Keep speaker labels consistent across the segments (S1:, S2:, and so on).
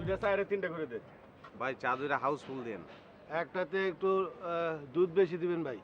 S1: দুইটা চায়ের 3টা করে দে।
S2: ভাই চা দুইটা হাউসফুল দেন।
S3: একটাতে একটু দুধ বেশি দিবেন ভাই।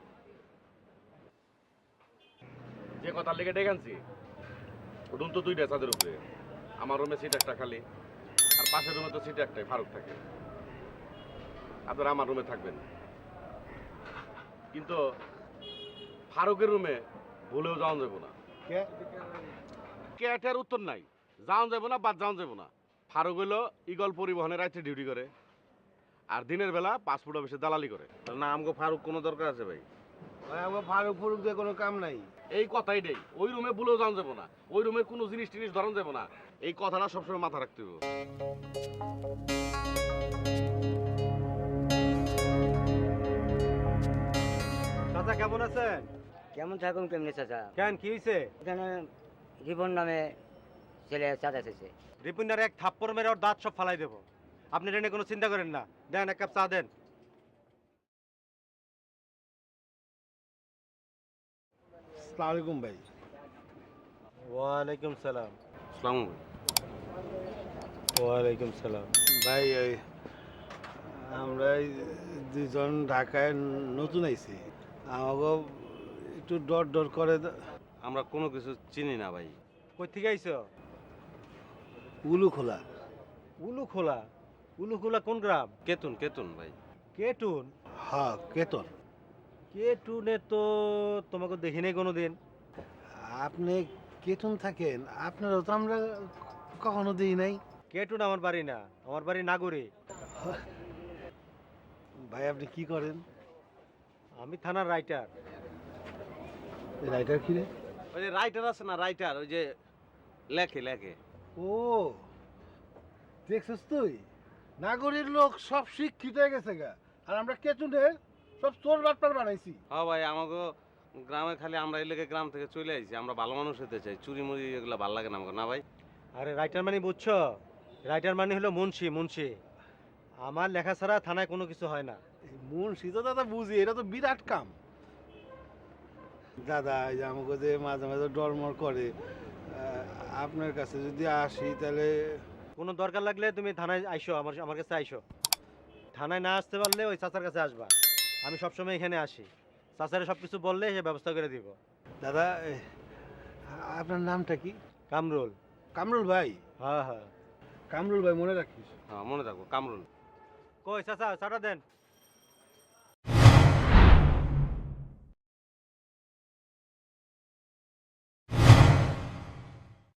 S1: যে কথা লেগে ডেকে আনছি রুম তো 2টা চাঁদের উপরে। আমার রুমে সিট একটা খালি, আর পাশের রুমে তো সিট একটাই, ফারুক থাকে। আপনারা আমার রুমে থাকবেন, কিন্তু ফারুকের রুমে ভুলেও যাওয়া যাবো না। ক্যাটের উত্তর নাই, যাওয়া যাবো না, বাদ যাওয়া যাবো না। ফারুক হইলো ইগল পরিবহনে রাত্রে ডিউটি করে, আর দিনের বেলা পাসপোর্ট অফিসে দালালি করে।
S2: না আমাকে ফারুক কোনো দরকার আছে ভাই?
S3: ভাই আমার ফারুক ফুরুক দিয়ে কোনো কাম নাই।
S1: এই কথাই নেই, ওই রুমে ভুলেও যাওয়া যাবো না, ওই রুমের কোনো জিনিস টিনিস ধরন যাবো না। এই কথাটা সবসময় মাথা রাখতে হবে।
S4: চাচা কেমন আছেন?
S5: কেমন থাকুন কেমনি চাচা?
S4: কেন কি হয়েছে?
S5: এখানে রিপন নামে ছেলে চাচা এসেছে।
S4: রিপুন্ডার এক থাপ্পড় মেরে ওর দাঁত সব ফালাই দেবো। আপনি এটা নিয়ে কোনো চিন্তা করেন না। দেন এক কাপ চা দেন।
S3: আসসালামু আলাইকুম ভাই।
S4: ওয়ালাইকুম সালাম।
S2: আসসালামু
S4: ওয়ালাইকুম সালাম।
S3: ভাই আমরা এই দুজন ঢাকায় নতুন আইছি, আমাকে একটু ডর ডর করে।
S2: আমরা কোনো কিছু চিনি না ভাই।
S4: কই থেকে আইছো?
S3: উলু খোলা।
S4: উলু খোলা? উলু খোলা কোন গ্রাম?
S2: কেতুন কেতুন ভাই।
S4: কেটুন?
S3: হ্যাঁ কেতন।
S4: কেটুনে তো তোমাকে দেখি নাই কোনোদিন।
S3: আপনি কেতন থাকেন, আপনারও তো আমরা কখনো দিই নাই।
S4: কেটুন আমার বাড়ি না, আমার বাড়ি নাগরে।
S3: ভাই আপনি কি করেন?
S4: আমি থানার রাইটার।
S3: রাইটার কি রে?
S2: ওই যে রাইটার আছে না, রাইটার, ওই যে লেখে লেখে।
S3: ও দেখছিস তুই, নাগরের লোক সব শিক্ষিত হয়ে গেছে গা, আর আমরা কেতুনের সব চোর বাটপার বানাইছি।
S2: হ্যাঁ ভাই, আমাকে গ্রামে খালি আমরা এই লেগে গ্রাম থেকে চলে আইছি। আমরা ভালো মানুষ হতে চাই, চুরি মুড়ি এগুলো ভালো লাগে না আমাকে, না ভাই?
S4: আরে রাইটার মানে বুঝছো? রাইটার মানে হলো মুন্সি। মুন্সি আমার লেখা ছাড়া থানায় কোনো কিছু হয় না।
S3: মুন্সি তো দাদা বুঝি, এটা তো বিরাট কাম। দাদা এই যে আমাকে যে মাঝে মাঝে ডরমর করে, আপনার কাছে যদি আসি তাহলে।
S4: কোনো দরকার লাগলে তুমি থানায় আইসো, আমার কাছে আইসো। থানায় না আসতে পারলে ওই চাচার কাছে আসবা। আমি সবসময় এখানে আসি। চাচারে সব কিছু বললে সে ব্যবস্থা করে দিব।
S3: দাদা আপনার নামটা কি?
S4: কামরুল।
S3: কামরুল ভাই?
S4: হ্যাঁ হ্যাঁ।
S3: কামরুল ভাই মনে রাখিস।
S2: হ্যাঁ মনে থাকবো, কামরুল।
S4: কই চাচা চাটা দেন।